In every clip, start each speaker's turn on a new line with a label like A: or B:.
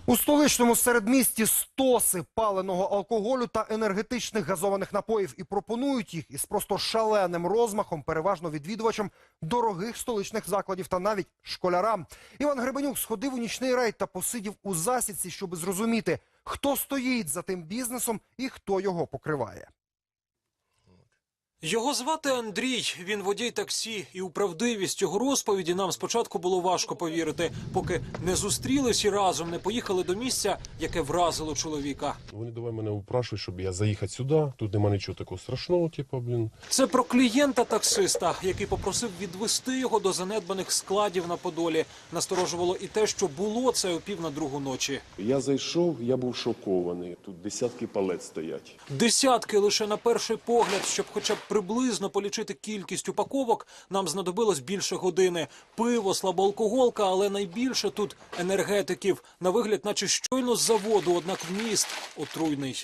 A: У столичному середмісті стоси паленого алкоголю та енергетичних газованих напоїв і пропонують їх із просто шаленим розмахом переважно відвідувачам дорогих столичних закладів та навіть школярам. Іван Гребенюк сходив у нічний рейд та посидів у засідці, щоб зрозуміти, хто стоїть за тим бізнесом і хто його покриває.
B: Його звати Андрій, він водій таксі, і у правдивість його розповіді нам спочатку було важко повірити, поки не зустрілись і разом не поїхали до місця, яке вразило чоловіка.
C: Вони давай мене упрашують, щоб я заїхати сюди, тут нема нічого такого страшного,
B: Це про клієнта-таксиста, який попросив відвести його до занедбаних складів на Подолі. Насторожувало і те, що було це о 1:45 ночі.
C: Я зайшов, я був шокований. Тут десятки палет стоять.
B: Десятки лише на перший погляд, щоб хоча б приблизно полічити кількість упаковок, нам знадобилось більше години. Пиво, слабоалкоголка, але найбільше тут енергетиків. На вигляд, наче щойно з заводу, однак вміст отруйний.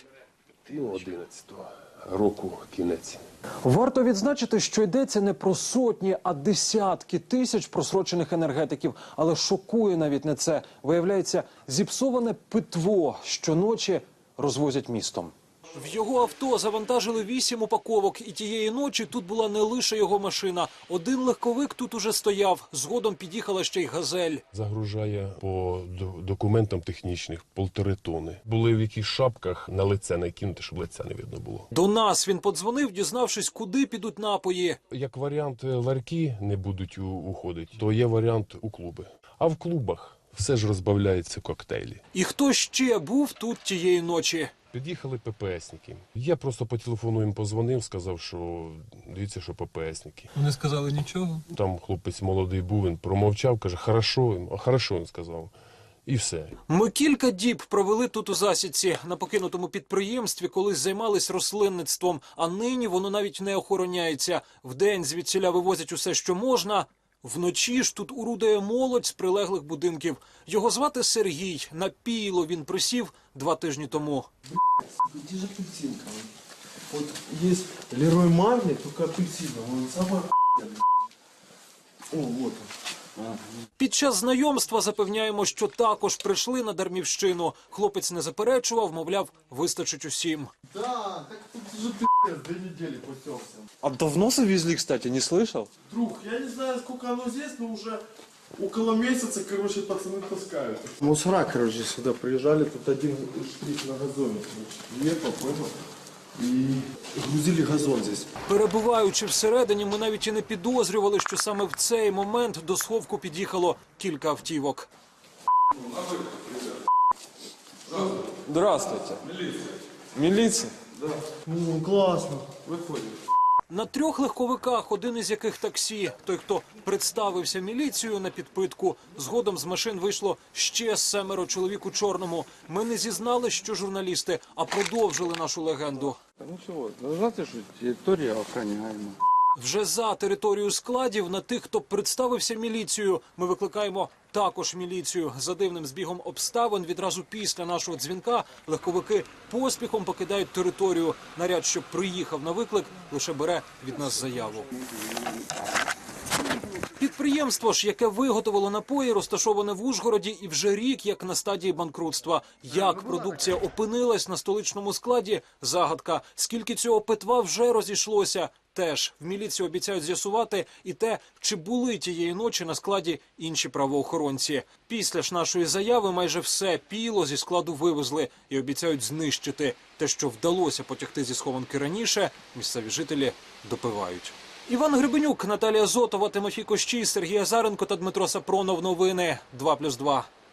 C: 11-го року кінець.
B: Варто відзначити, що йдеться не про сотні, а десятки тисяч просрочених енергетиків. Але шокує навіть не це. Виявляється, зіпсоване питво щоночі розвозять містом. В його авто завантажили 8 упаковок, і тієї ночі тут була не лише його машина. Один легковик тут уже стояв, згодом під'їхала ще й «Газель».
C: Загружає по документам технічних 1,5 тонни. Були в якихось шапках на лице накинути, щоб лиця не видно було.
B: До нас він подзвонив, дізнавшись, куди підуть напої.
C: Як варіант ларьки не будуть уходити, то є варіант у клуби. А в клубах все ж розбавляється коктейлі.
B: І хто ще був тут тієї ночі?
C: Під'їхали ППСники. Я просто по телефону їм позвонив, сказав, що дивіться, що ППСники.
D: Вони сказали нічого?
C: Там хлопець молодий був, він промовчав, каже, хорошо, він сказав. І все.
B: Ми кілька діб провели тут у засідці. На покинутому підприємстві колись займались рослинництвом, а нині воно навіть не охороняється. Вдень звідсіля вивозять усе, що можна. Вночі ж тут орудує молодь з прилеглих будинків. Його звати Сергій. На пійло він присів 2 тижні тому.
E: Где же апельсинка? Вот есть Лерой Марли, только апельсиновый. Он самый О, вот он.
B: Під час знайомства запевняємо, що також прийшли на Дармівщину. Хлопець не заперечував, мовляв, вистачить усім.
E: Да, так тут же пи***ц, 2 недели путёмся.
D: А давно завезли, кстати, не слышал?
E: Друг, я не знаю, сколько оно здесь, но уже около месяца, короче, пацаны таскают. Мусора, короче, сюда приезжали, тут один штрих на газоне, короче, ехал, понял? І грузили газон здесь.
B: Перебуваючи всередині, ми навіть і не підозрювали, що саме в цей момент до сховку під'їхало кілька автівок.
D: Здравствуйте. Милиция?
E: Да. Ну, классно. Выходим.
B: На 3 легковиках, один із яких таксі. Той, хто представився міліцією на підпитку. Згодом з машин вийшло ще 7 чоловік у чорному. Ми не зізнали, що журналісти, а продовжили нашу легенду.
F: Ничего, знаете, что территория охраняема.
B: Вже за територію складів на тих, хто представився міліцією, ми викликаємо також міліцію. За дивним збігом обставин відразу після нашого дзвінка легковики поспіхом покидають територію. Наряд, що приїхав на виклик, лише бере від нас заяву. Підприємство ж, яке виготовило напої, розташоване в Ужгороді і вже рік як на стадії банкрутства. Як продукція опинилась на столичному складі – загадка. Скільки цього питва вже розійшлося – теж. В міліції обіцяють з'ясувати і те, чи були тієї ночі на складі інші правоохоронці. Після ж нашої заяви майже все пійло зі складу вивезли і обіцяють знищити. Те, що вдалося потягти зі схованки раніше, місцеві жителі допивають. Іван Гребенюк, Наталія Зотова, Тимофій Кощій, Сергій Азаренко та Дмитро Сапронов. Новини 2+2.